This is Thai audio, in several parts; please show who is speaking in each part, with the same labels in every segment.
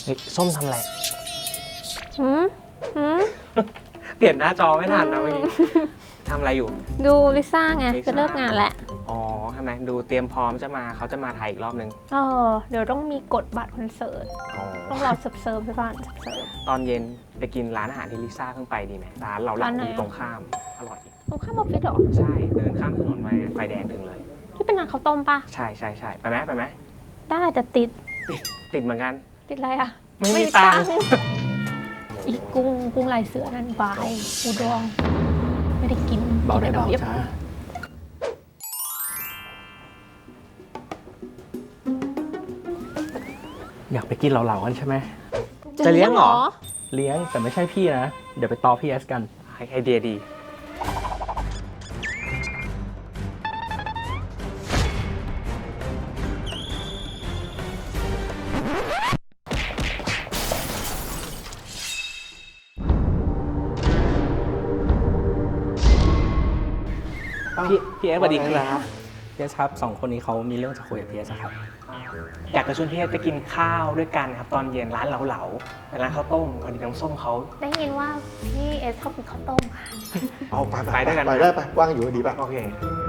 Speaker 1: ส้มทำอะไร
Speaker 2: หืมหืม
Speaker 1: เปลี่ยนหน้าจอไม่ทันนะเมื่อกี้ทำอะไรอยู่
Speaker 2: ดูลิซ่าไงจะเลิกงานแล้ว
Speaker 1: อ๋อทำไมดูเตรียมพร้อมเขาจะมาไทยอีกรอบนึง
Speaker 2: เดี๋ยวต้องมีกดบัตรคอนเสิร์ตต้องรอเซิร์ฟไปก่อนเซิร์ฟ
Speaker 1: ตอนเย็นไปกินร้านอาหารที่ลิซ่าเพิ่งไปดีไหมร้านเราหลังอยู่ตรงข้ามอร่อย
Speaker 2: ตรงข้ามออฟฟิศหรอ
Speaker 1: ใช่เดินข้ามถนนมาไฟแดงถึงเลย
Speaker 2: ที่เป็นร้านข้าวต้มปะ
Speaker 1: ใช่ไปไหม
Speaker 2: ได้แต่ติด
Speaker 1: เหมือนกัน
Speaker 2: ติดอะไรอ่ะ
Speaker 1: ไม่มีตังค์
Speaker 2: อีกกุ้งลายเสือนั่นบายอูดองไม่ได้กิน
Speaker 3: เบาได้เบาจ้าอยากไปกินเหล่าๆกันใช่ไหม
Speaker 1: จะเลี้ยงเหรอ
Speaker 3: เลี้ยงแต่ไม่ใช่พี่นะเดี๋ยวไปต่อพี่เอสกัน
Speaker 1: ไอเดียดีพี่เอสสวัสดีครับ
Speaker 3: พี่เอสครับ2คนนี้เขามีเรื่องจะคุยกับพี่เอสครับ
Speaker 1: อยากจะชวนพี่เอสไปกินข้าวด้วยกันครับตอนเย็นร้านเหลาเป็นร้านข้าวต้มพอดีน้ำส้มเขา
Speaker 2: ได้ยินว่าพี่เอสชอบกินข้าวต้มค่ะ
Speaker 4: เอา
Speaker 1: ไปด้วยกัน
Speaker 4: ไปได้ไปว่างอยู่ดีป่ะ
Speaker 1: โอเค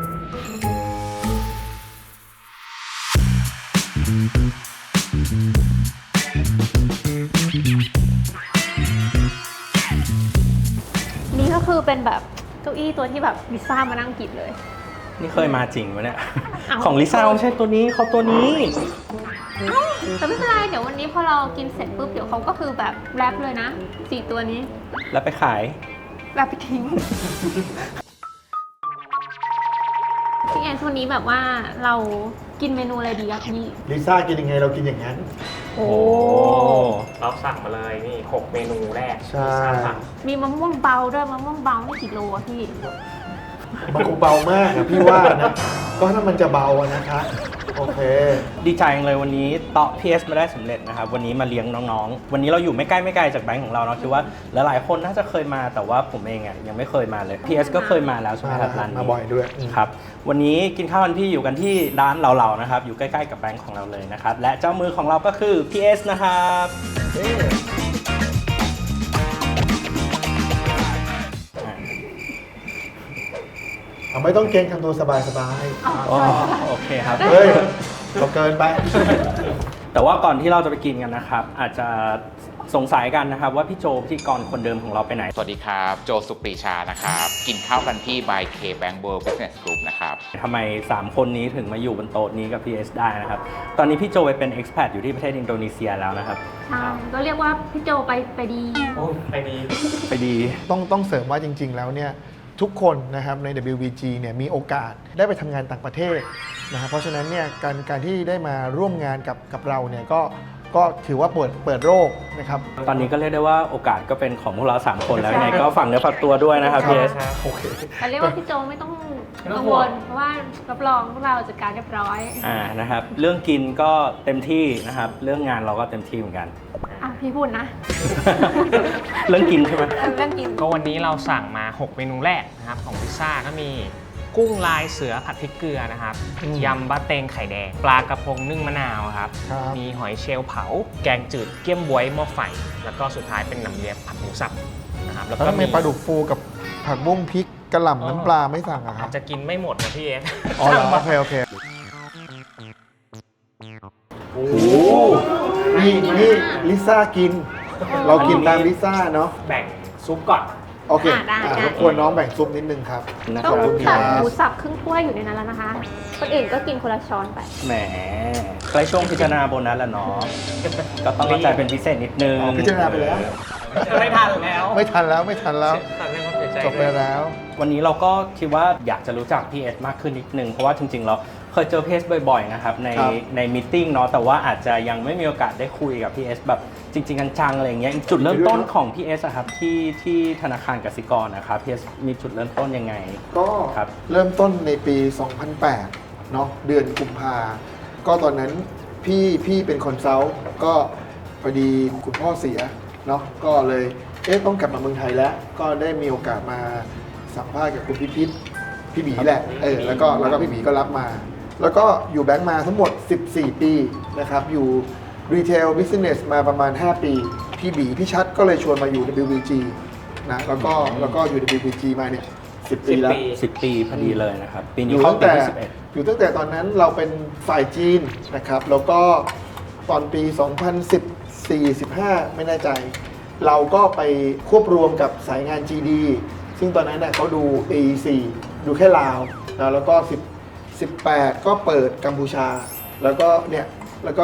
Speaker 2: นี่ก็คือเป็นแบบเก้าอี้ตัวที่แบบลิซ่ามานั่งกินเลย
Speaker 3: นี่เคยมาจริงวะเนี่ยของลิซ่าไม่ใช่ตัวนี้เขาตัวนี้
Speaker 2: แต่ไม่เป็นไรเดี๋ยววันนี้พอเรากินเสร็จปุ๊บเดี๋ยวเขาก็คือแบบแรปเลยนะ4ตัวนี้
Speaker 3: แล้วไปขาย
Speaker 2: แรปไปทิ้งพี่แอนวันนี้แบบว่าเรากินเมนูอะไรดีครับพี่
Speaker 4: ลิซ่ากินยังไงเรากินอย่างนั้น
Speaker 2: โอ้
Speaker 1: เราสั่งมาเลยนี่6เมนูแรก
Speaker 4: ใช่
Speaker 2: มีมะม่วงเบาด้วยมะม่วงเบานี่กี่โลอะพี่
Speaker 4: มันคงเบามากนะพี่ว่านะก็ถ้ามันจะเบานะคะโอเค
Speaker 3: ดีใจเลยวันนี้ต่อ PS มาได้สำเร็จนะครับวันนี้มาเลี้ยงน้องๆวันนี้เราอยู่ไม่ไกลจากแบงค์ของเราเนาะคิดว่าหลายๆคนน่าจะเคยมาแต่ว่าผมเองอ่ะยังไม่เคยมาเลย PS ก็เคยมาแล้วใช่ไหมครับร้านนี้
Speaker 4: มาบ่อยด้วย
Speaker 3: ครับวันนี้กินข้าวกันพี่อยู่กันที่ร้านเหล่าๆนะครับอยู่ใกล้ๆกับแบงค์ของเราเลยนะครับและเจ้ามือของเราก็คือ PS นะครับ
Speaker 4: ไม่ต้องเกรงทำตัวสบาย
Speaker 3: โอเคครับ
Speaker 4: เฮ้ยเราเกินไป
Speaker 3: แต่ว่าก่อนที่เราจะไปกินกันนะครับอาจจะสงสัยกันนะครับว่าพี่โจพิธีกรคนเดิมของเราไปไหน
Speaker 5: สวัสดีครับโจสุปรีชานะครับกินข้าวกันที่ by K Bank World Business Group นะครับ
Speaker 3: ทำไม3คนนี้ถึงมาอยู่บนโต๊ะนี้กับ PS ได้นะครับตอนนี้พี่โจไปเป็น expat อยู่ที่ประเทศอินโดนีเซียแล้วนะครับ
Speaker 2: ใช่ก็เรียกว่าพี่โจไปดี
Speaker 1: ไปดี
Speaker 4: ต้องเสริมว่าจริงๆแล้วเนี่ยทุกคนนะครับใน WBG เนี่ยมีโอกาสได้ไปทำงานต่างประเทศนะครับเพราะฉะนั้นเนี่ยการที่ได้มาร่วมงานกับเราเนี่ยก็ถือว่าเปิดโลกนะครับ
Speaker 3: ตอนนี้ก็เรียกได้ว่าโอกาสก็เป็นของพวกเรา3คนแล้วยังไงก็ฝากเนื้อฝากตัวด้วยนะครับพี่เอส
Speaker 4: โอเค
Speaker 2: แต่เรียกว่าพี่โจไม่ต้องกังวลเพราะว่ารับรองพวกเราจัดการเรียบร้อย
Speaker 3: นะครับเรื่องกินก็เต็มที่นะครับเรื่องงานเราก็เต็มที่เหมือนกัน
Speaker 2: พี่พูดนะ
Speaker 3: เรื่องกินใช่ไหม
Speaker 2: เรื่องกิน
Speaker 1: ก็วันนี้เราสั่งมา6เมนูแรกนะครับของพิซซ่าก็มีกุ้งลายเสือผัดพริกเกลือนะครับยำบะเตงไข่แดงปลากระพงนึ่งมะนาวครับมีหอยเชลล์เผาแกงจืดเกี๊ยมบ๊วยหม้อไฟแล้วก็สุดท้ายเป็นน้ำเลียบผัดหมูสับนะครับ
Speaker 4: แล้วก็มีปลาดุกฟูกับผักบุ้งพริกกระหล่ำน้ำปลาไม่สั่งอะครับ
Speaker 1: จะกินไม่หมดนะพี่เอส
Speaker 4: อ๋อโอเคโอ้นี่ลิซ่ากินเรากินตามลิซ่าเนาะ
Speaker 1: แบ่งซุปก่อน
Speaker 4: โอเครบกวนน้องแบ่งซุปนิดนึงครับ
Speaker 2: ต้องตักหมูสับครึ่งถ้วยอยู่ในนั้นแล้วนะคะคนอื่นก็กินคนละช้อนไป
Speaker 3: แหมใกล้ช่วงพิจารณาโบนัสแล้วเนาะก็ต้องเข้าใจเป็นพิเศษนิดนึง
Speaker 4: พิจารณาไปแล้ว
Speaker 1: ไม่ทันแล้ว
Speaker 4: จบไปแล้ว
Speaker 3: วันนี้เราก็คิดว่าอยากจะรู้จักพี่เอสมากขึ้นนิดนึงเพราะว่าจริงๆเราเคยเจอพี่เอสบ่อยๆนะครับในมีตติ้งเนาะแต่ว่าอาจจะยังไม่มีโอกาสได้คุยกับพี่เอสแบบจริงๆจังๆอะไรเงี้ยจุดเริ่มต้นของพี่เอสครับที่ธนาคารกสิกรนะครับพี่เอสมีจุดเริ่มต้นยังไง
Speaker 4: ก็เริ่มต้นในปี 2008 เนาะเดือนกุมภาก็ตอนนั้นพี่เป็นคอนซัลท์ก็พอดีคุณพ่อเสียเนาะก็เลยต้องกลับมาเมืองไทยแล้วก็ได้มีโอกาสมาสัมภาษณ์กับคุณพี่บีแหละแล้วก็พี่บีก็รับมาแล้วก็อยู่แบงก์มาทั้งหมด14 ปีนะครับอยู่รีเทลบิสเนสมาประมาณ 5 ปี พี่ชัดก็เลยชวนมาอยู่ WBG นะแล้วก็อยู่ WBG มาเนี่ย10 ปีแล้ว
Speaker 3: 10 ปีพอดีเลยนะครับ ปี
Speaker 4: อ
Speaker 3: นี้
Speaker 4: ยู่
Speaker 3: เข้า
Speaker 4: ตั้ง
Speaker 3: ปี
Speaker 4: แต่
Speaker 3: ที่
Speaker 4: อยู่ตั้งแต่ตอนนั้นเราเป็นฝ่ายจีนนะครับ แล้วก็ตอนปี 2014-15 ไม่แน่ใจ เราก็ไปควบรวมกับสายงาน GD ซึ่งตอนนั้นเขาดู AEC ดูแค่ลาวนะแล้วก็18 ก็เปิดกัมพูชา แล้วก็แล้วก็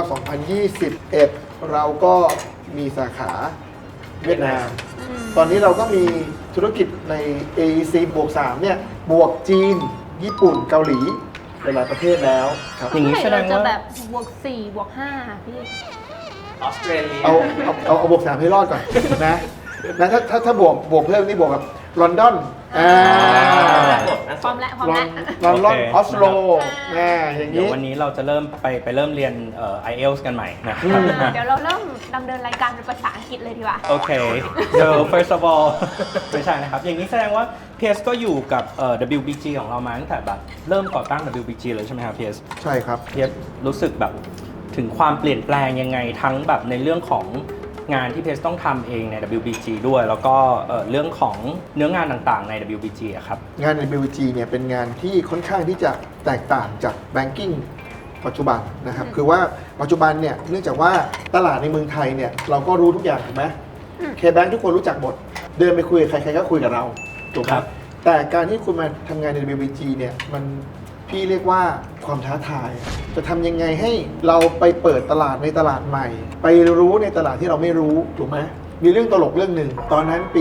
Speaker 4: 2021 เราก็มีสาขาเวียดนาม ตอนนี้เราก็มีธุรกิจใน AEC บวก 3 เนี่ย บวกจีน ญี่ปุ่น เกาหลี หลายๆประเทศแล้วครับ
Speaker 3: อย่างนี้
Speaker 2: เมื่อ
Speaker 3: แส
Speaker 2: ไห
Speaker 3: ด
Speaker 2: ร่
Speaker 3: ง
Speaker 2: เราจะ
Speaker 3: ว่า
Speaker 2: แบบบวก4บวก5พี่
Speaker 1: ออสเตรเลีย
Speaker 4: เอาบวก 3 ให้รอดก่อนนะถ้าบวกเพิ่มนี่บวกกับลอนดอน
Speaker 2: พร้อมแล้ว
Speaker 4: ลอน
Speaker 3: โอเค
Speaker 4: ออสโลอย่าง
Speaker 3: เดี๋ยว
Speaker 4: นี้
Speaker 3: วันนี้เราจะเริ่มไปเริ่มเรียนIELTS กันใหม่นะครับ
Speaker 2: เดี๋ยวเราเริ่มดำเนินรายการเป็นภาษาอังกฤษเลยดีกว่า
Speaker 3: โอเค so first of all ไม่ใช่นะครับ อย่างนี้แสดงว่า PS ก็อยู่กับWBG ของเรามาตั้งแต่แบบเริ่มก่อตั้ง WBG เลยใช่ไหมครับ PS
Speaker 4: ใช่ครับ
Speaker 3: PS รู้สึกแบบถึงความเปลี่ยนแปลงยังไงทั้งแบบในเรื่องของงานที่ PS ต้องทำเองใน WBG ด้วย แล้วก็เรื่องของเนื้องานต่างๆใน WBG อะครับ
Speaker 4: งานใน WBG เนี่ยเป็นงานที่ค่อนข้างที่จะแตกต่างจาก Banking ปัจจุบันนะครับ คือว่าปัจจุบันเนี่ยเนื่องจากว่าตลาดในเมืองไทยเนี่ยเราก็รู้ทุกอย่างถูกไหม KBank ทุกคนรู้จักหมด เดินไปคุยกับใครๆก็คุยกับเราถูกไหม
Speaker 3: ครับ
Speaker 4: แต่การที่คุณมาทำงานใน WBG เนี่ยมันพี่เรียกว่าความท้าทาย จะทำยังไงให้เราไปเปิดตลาดในตลาดใหม่ ไปรู้ในตลาดที่เราไม่รู้ถูกไหมมีเรื่องตลกเรื่องหนึ่งตอนนั้นปี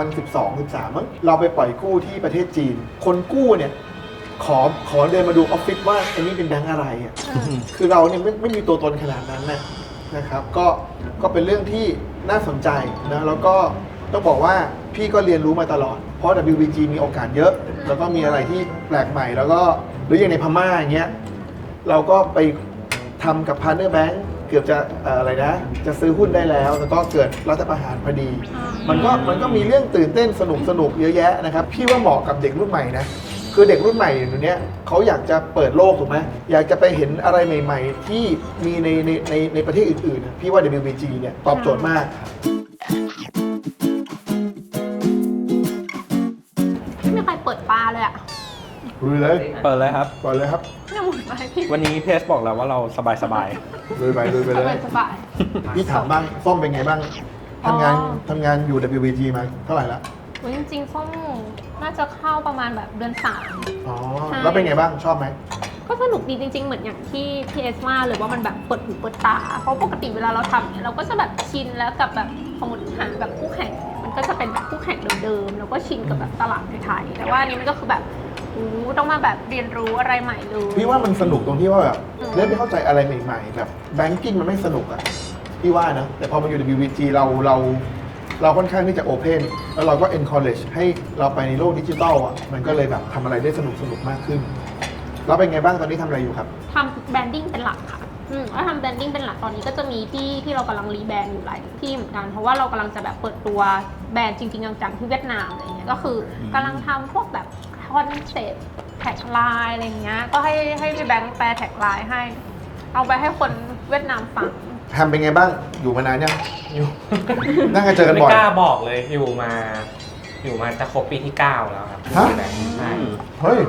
Speaker 4: 2012-13มั้งเราไปปล่อยกู้ที่ประเทศจีน คนกู้เนี่ยขอเดินมาดูออฟฟิศว่าไอ้นี่เป็นแบงก์อะไรอ่ะ คือเราเนี่ยไม่มีตัวตนขนาดนั้นนะครับก็เป็นเรื่องที่น่าสนใจนะแล้วก็ต้องบอกว่าพี่ก็เรียนรู้มาตลอด เพราะ WBG มีโอกาสเยอะ แล้วก็มีอะไรที่แปลกใหม่ แล้วก็หรืออย่างในพม่าอย่างเงี้ยเราก็ไปทำกับ Partner Bank เกือบจะอะไรนะจะซื้อหุ้นได้แล้ว แล้วก็เกิดรัฐประหารพอดี มันก็มีเรื่องตื่นเต้นสนุกเยอะแยะนะครับพี่ว่าเหมาะกับเด็กรุ่นใหม่นะคือเด็กรุ่นใหม่เดี๋ยวนี้เขาอยากจะเปิดโลกถูกไหมอยากจะไปเห็นอะไรใหม่ ๆ ที่มีในประเทศอื่นๆพี่ว่า WBG เนี่ยตอบโจทย์มาก
Speaker 2: ไม่มีใครเปิดปลาเลยอ่ะ
Speaker 4: ลุยเลย
Speaker 3: เปิดเลยครับ
Speaker 4: ก่อนเลยครับ
Speaker 2: เนี่ยหมุนไปพี่
Speaker 3: วันนี้ PS บอกแล้วว่าเราสบาย
Speaker 4: ลุยไปเลย
Speaker 2: สบาย
Speaker 4: พี่ถามบ้างส้มเป็นไงบ้างทำงานอยู่ WBG มาเท่าไหร่ละ
Speaker 2: ๆจริงๆส้มน่าจะเข้าประมาณแบบเดือน
Speaker 4: อ๋อ
Speaker 2: ใช่
Speaker 4: แล้วเป็นไงบ้างชอบไหม
Speaker 2: 3ก็สนุกดีจริง ๆ เหมือนอย่างที่พีเอสว่าเลยว่ามันแบบเปิดหูเปิดตา เพราะปกติเวลาเราทำเนี่ยเราก็จะแบบชินแล้วกับแบบสมมติหาแบบคู่แข่งมันก็จะเป็นแบบคู่แข่งเดิมๆแล้วก็ชินกับแบบตลาดไทยๆแต่ว่าอันนี้มันก็คือแบบต้องมาแบบเรียนรู้อะไรใหม่เลย
Speaker 4: พี่ว่ามันสนุกตรงที่ว่าแบบเริ่มไปเข้าใจอะไรใหม่ๆแบบแบงกิ้งมันไม่สนุกอะพี่ว่านะแต่พอมาอยู่ WBG เราค่อนข้างที่จะโอเพนแล้วเราก็ encourage ให้เราไปในโลกดิจิทัลอ่ะมันก็เลยแบบทำอะไรได้สนุกมากขึ้น แล้วเป็นไงบ้างตอนนี้ทำอะไรอยู่ครับ
Speaker 2: ทำแบรนดิ้งเป็นหลักค่ะแล้วทำแบรนดิ้งเป็นหลักตอนนี้ก็จะมีที่เรากำลังรีแบรนด์อยู่หลายที่เหมือนกันเพราะว่าเรากำลังจะแบบเปิดตัวแบรนด์จริงๆจังๆที่เวียดนามอะไรเงี้ยก็คือกำลังทำพวกแบบคอนเซ็ปต์แท็กไลน์อะไรเงี้ยก็ให้พี่แบงค์แปลแท็กไลน์ให้ เอาไปให้คนเวียดนามฟัง
Speaker 4: แฮมเป็นไงบ้างอยู่มานานยังอยู่ นั่งกันเจอกันบ่อย
Speaker 1: ไม่กล้าบอกเลยอยู่มาจะครบปีที่ 9 แล้วครับ
Speaker 4: ฮะ
Speaker 1: ใช่
Speaker 4: เฮ้ย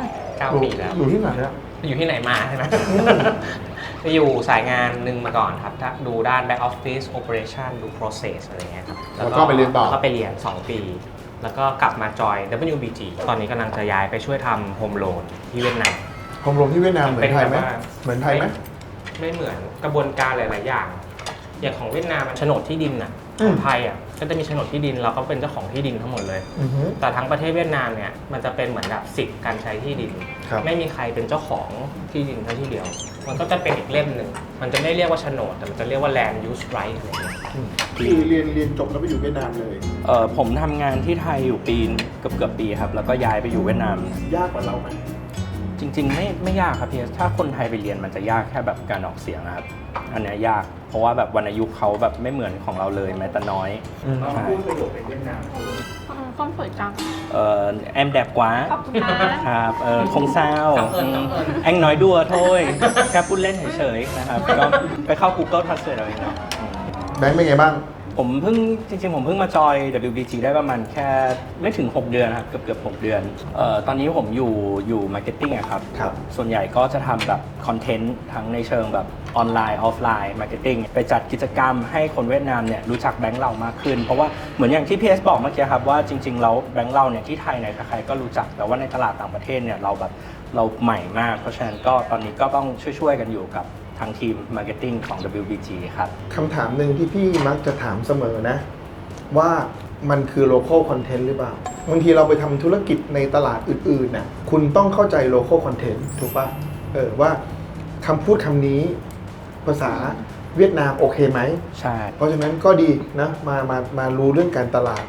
Speaker 1: 9 ปีแล้ว
Speaker 4: อยู่ที่ไหนอะ
Speaker 1: อยู่ที่ไหนมาใช่ไหม ไปอยู่สายงานหนึ่งมาก่อนครับถ้าดูด้าน back office operation ดู process อะไรเงี้ยครับ
Speaker 4: แล้วก็ไปเรียนต่อ
Speaker 1: แล้วก็ไปเรียน 2 ปี แล้วก็กลับมาจอย WBG ตอนนี้กำลังจะย้ายไปช่วยทำ home loan ที่เวียดนาม
Speaker 4: โฮมโรงที่เวียดนามเหมือนไทยไหม
Speaker 1: เป็นแบบว่า
Speaker 4: เหมือนไทยไหม
Speaker 1: ไม่เหมือนกระบวนการหลาย ๆ อย่าง อย่างของเวียดนามมันโฉนดที่ดินน่ะ
Speaker 4: อื
Speaker 1: ข
Speaker 4: ม
Speaker 1: องไทยอ่ะก็จะมีโฉนดที่ดินเราก็เป็นเจ้าของที่ดินทั้งหมดเลย
Speaker 4: อือฮึ
Speaker 1: แต่ทั้งประเทศเวียดนามเนี่ยมันจะเป็นเหมือนแบบสิทธิ์การใช้ที่ดิน
Speaker 4: ครับ
Speaker 1: ไม่มีใครเป็นเจ้าของที่ดินแค่ที่เดียว มันก็จะเป็นอีกเล่มหนึ่งมันจะไม่เรียกว่าโฉนดแต่มันจะเรียกว่า land use right อะไรเงี้ย
Speaker 4: คือเรียนจบแล้วไปอยู่เวียดนามเลย
Speaker 3: ผมทำงานที่ไทยอยู่ปีเกือบปีครับ แล้วก็ย้ายไปอยู่เวียดนาม
Speaker 4: ยากกว่าเราไหม
Speaker 3: จริง ๆ ไม่ยากครับพี่ถ้าคนไทยไปเรียนมันจะยากแค่แบบการออกเสียงนะครับ อันเนี้ยยาก เพราะว่าแบบวรรณยุกต์เขาแบบไม่เหมือนของเราเลยแม้แต่น้อย ใช่
Speaker 1: พูดประโยคเป็นเวียดนาม
Speaker 2: ส้มสวยจัง
Speaker 3: em đẹp quá
Speaker 2: ขอบคุณนะครับ
Speaker 3: không sao anh nói đùa thôi แค่พูดเล่นเฉยๆนะครับก็ไปเข้า Google Translate เอาเองเนาะ
Speaker 4: แบงค์เป็นไงบ้าง
Speaker 3: ผมเพิ่งมาจอย WBG ได้ประมาณแค่ไม่ถึง 6 เดือนครับเกือบ6 เดือนตอนนี้ผมอยู่ marketing อะครับ
Speaker 4: ครับ
Speaker 3: ส่วนใหญ่ก็จะทำแบบคอนเทนต์ทั้งในเชิงแบบออนไลน์ออฟไลน์มาร์เก็ตติ้งไปจัดกิจกรรมให้คนเวียดนามเนี่ยรู้จักแบงค์เรามากขึ้น เพราะว่าเหมือนอย่างที่พีเอสบอกเมื่อกี้ครับว่าจริงๆแล้วแบงค์เราเนี่ยที่ไทยเนี่ยใครๆก็รู้จักแต่ว่าในตลาดต่างประเทศเนี่ยเราใหม่มาก เพราะฉะนั้นก็ตอนนี้ก็ต้องช่วยๆกันอยู่กับทางทีมมาร์เก็ตติ้งของ WBG ครับ
Speaker 4: คำถามหนึ่งที่พี่มักจะถามเสมอนะ ว่ามันคือ local content หรือเปล่า บางทีเราไปทำธุรกิจในตลาดอื่นๆนะคุณต้องเข้าใจ local content ถูกปะว่าคำพูดคำนี้ภาษาเวียดนามโอเคไหม
Speaker 3: ใช่
Speaker 4: เพราะฉะนั้นก็ดีนะมารู้เรื่องการตลาด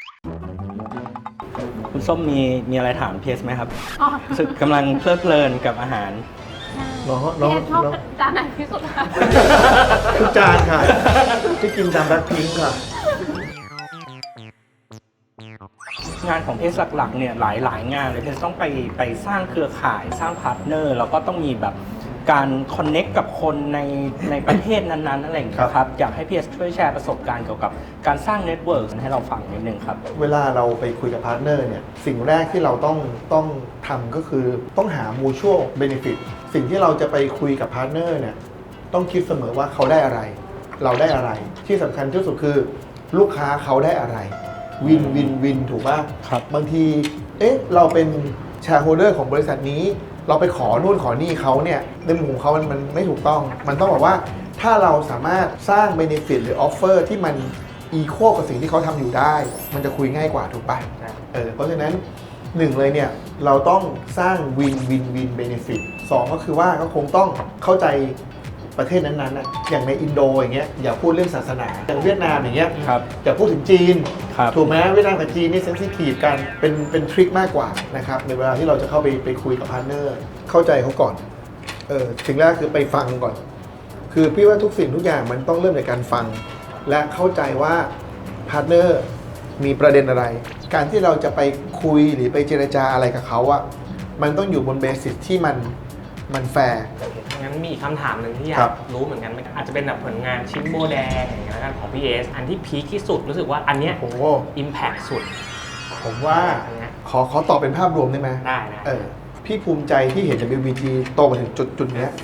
Speaker 3: คุณส้มมีอะไรถามพีเอสไหมครับ
Speaker 2: อ๋อ
Speaker 3: รู้สึกกำลังเพลิดเพลินกับอาหาร
Speaker 4: เนาะ
Speaker 2: พี่เอสชอบจานไหนที่สุดคะ
Speaker 4: ทุกจานค่ะ ที่กินตามแบล็คพิงค์ค่ะ
Speaker 3: งานของเพจหลักๆเนี่ยหลายงานเลยเพจต้องไปสร้างเครือข่ายสร้างพาร์ทเนอร์แล้วก็ต้องมีแบบการคอนเน็กกับคนในประเทศนั้นๆอะไรอย่างเงี้ยครับอยากให้พีเอสช่วยแชร์ประสบการณ์เกี่ยวกับการสร้างเน็ตเวิร์กให้เราฟังนิดนึงครับ
Speaker 4: เวลาเราไปคุยกับพาร์ทเนอร์เนี่ยสิ่งแรกที่เราต้องทำก็คือต้องหา mutual benefit สิ่งที่เราจะไปคุยกับพาร์ทเนอร์เนี่ยต้องคิดเสมอว่าเขาได้อะไร เราได้อะไร ที่สำคัญที่สุดคือลูกค้าเขาได้อะไรวินวินวินถูกป่ะ
Speaker 3: ครับ
Speaker 4: บางทีเราเป็นแชร์โฮลเดอร์ของบริษัทนี้ เราไปขอนู่นขอนี่เขาเนี่ยในมุมของเขามันไม่ถูกต้อง มันต้องบอกว่าถ้าเราสามารถสร้าง benefit หรือ offer ที่มัน equal กับสิ่งที่เขาทำอยู่ได้ มันจะคุยง่ายกว่าถูกป่ะ เพราะฉะนั้นหนึ่งเลยเนี่ยเราต้องสร้าง win win win benefit สองก็คือว่าก็คงต้องเข้าใจประเทศนั้นๆนะอย่างในอินโดอย่างเงี้ยอย่าพูดเรื่องศาสนาอย่างเวียดนามอย่างเงี้ย
Speaker 3: ครับ
Speaker 4: อย่าพูดถึงจีน
Speaker 3: ครับ
Speaker 4: ถูกไหมเวียดนามกับจีนนี่เซนซิทีฟกันเป็นทริคมากกว่านะครับในเวลาที่เราจะเข้าไปคุยกับพาร์ทเนอร์เข้าใจเขาก่อนสิ่งแรกคือไปฟังก่อน คือพี่ว่าทุกสิ่งทุกอย่างมันต้องเริ่มจากการฟัง และเข้าใจว่าพาร์ทเนอร์มีประเด็นอะไร การที่เราจะไปคุยหรือไปเจรจาอะไรกับเขาอะมันต้องอยู่บนเบสิสที่มันแฟร์
Speaker 1: งั้นมีอีกคำถามหนึ่งที่อยา
Speaker 4: ครั
Speaker 1: ก
Speaker 4: บ
Speaker 1: รู้เหมือนกันอาจจะเป็นแบบผลงานชิ้นโบแดงอย่างเงี้ยแล้วกันของพี่เอสอันที่พีคที่สุดรู้สึกว่าอันเนี้ย
Speaker 4: โอ้โห
Speaker 1: อิมแพคสุด
Speaker 4: ผมว่า
Speaker 1: อันเนี้ย
Speaker 4: ขอตอบเป็นภาพรวมได้ไหม
Speaker 1: ได้นะ
Speaker 4: พี่ภูมิใจที่เห็น WBG โตมาถึงจุดเนี้ย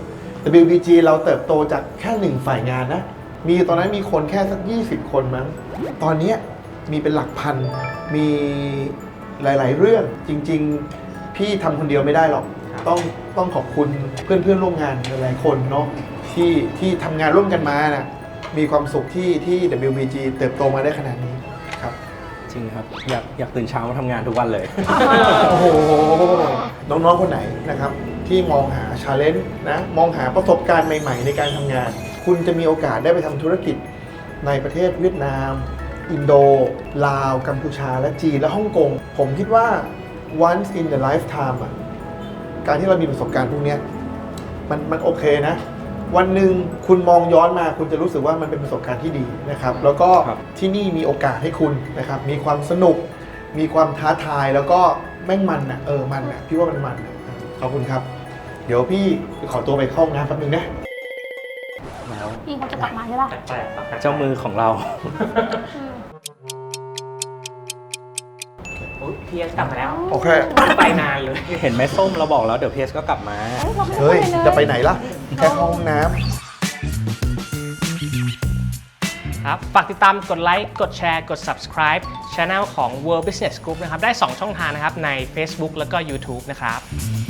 Speaker 4: WBG เราเติบโตจากแค่หนึ่งฝ่ายงานนะ มีตอนนั้นมีคนแค่สัก 20 คนมั้ง ตอนเนี้ยมีเป็นหลักพัน มีหลาย ๆ เรื่องจริง ๆ พี่ทำคนเดียวไม่ได้หรอก ต้องขอบคุณเพื่อนร่วมงานหลายๆคนเนาะที่ทำงานร่วมกันมานะมีความสุขที่ WBG เติบโตมาได้ขนาดนี้ครับ
Speaker 3: จริงครับอยากตื่นเช้ามาทำงานทุกวันเลย
Speaker 4: โอ้โห น้องๆ คนไหนนะครับ ที่มองหาชาเลนจ์นะ มองหาประสบการณ์ใหม่ๆ ในการทำงาน คุณจะมีโอกาสได้ไปทำธุรกิจในประเทศเวียดนาม อินโด ลาว กัมพูชา และจีน และฮ่องกง ผมคิดว่า once in the lifetime อ่ะ การที่เรามีประสบการณ์พวกเนี้ยมันโอเคนะ วันหนึ่งคุณมองย้อนมาคุณจะรู้สึกว่ามันเป็นประสบการณ์ที่ดีนะครับ แล้วก็
Speaker 3: ครับ
Speaker 4: ที่นี่มีโอกาสให้คุณนะครับ มีความสนุก มีความท้าทาย แล้วก็แม่งมันอ่ะมันอ่ะพี่ว่ามันอ่ะขอบคุณครับ เดี๋ยวพี่ขอตัวไปเข้าห้องน้ำแป๊บนึงนะ
Speaker 3: แล้ว
Speaker 2: พี่เขาจะกลับมาใช่ป่ะ
Speaker 1: แปลกๆ
Speaker 3: เจ้ามือของเรา
Speaker 1: อุ๊ยพี่เอสกลับมาแล้ว
Speaker 4: โอเค
Speaker 1: ไปนานเลย
Speaker 3: เห็นไหมส้มเราบอกแล้วเดี๋ยวพีเอสก็กลับมา
Speaker 4: เฮ้ย จะไปไหนล่ะ แค่เข้าห้องน้ำ
Speaker 1: ครับ ฝากติดตามกดไลค์ กดแชร์ กด subscribe Channel ของ World Business Group นะครับ ได้ 2 ช่องทางนะครับ ใน Facebook แล้วก็ YouTube นะครับ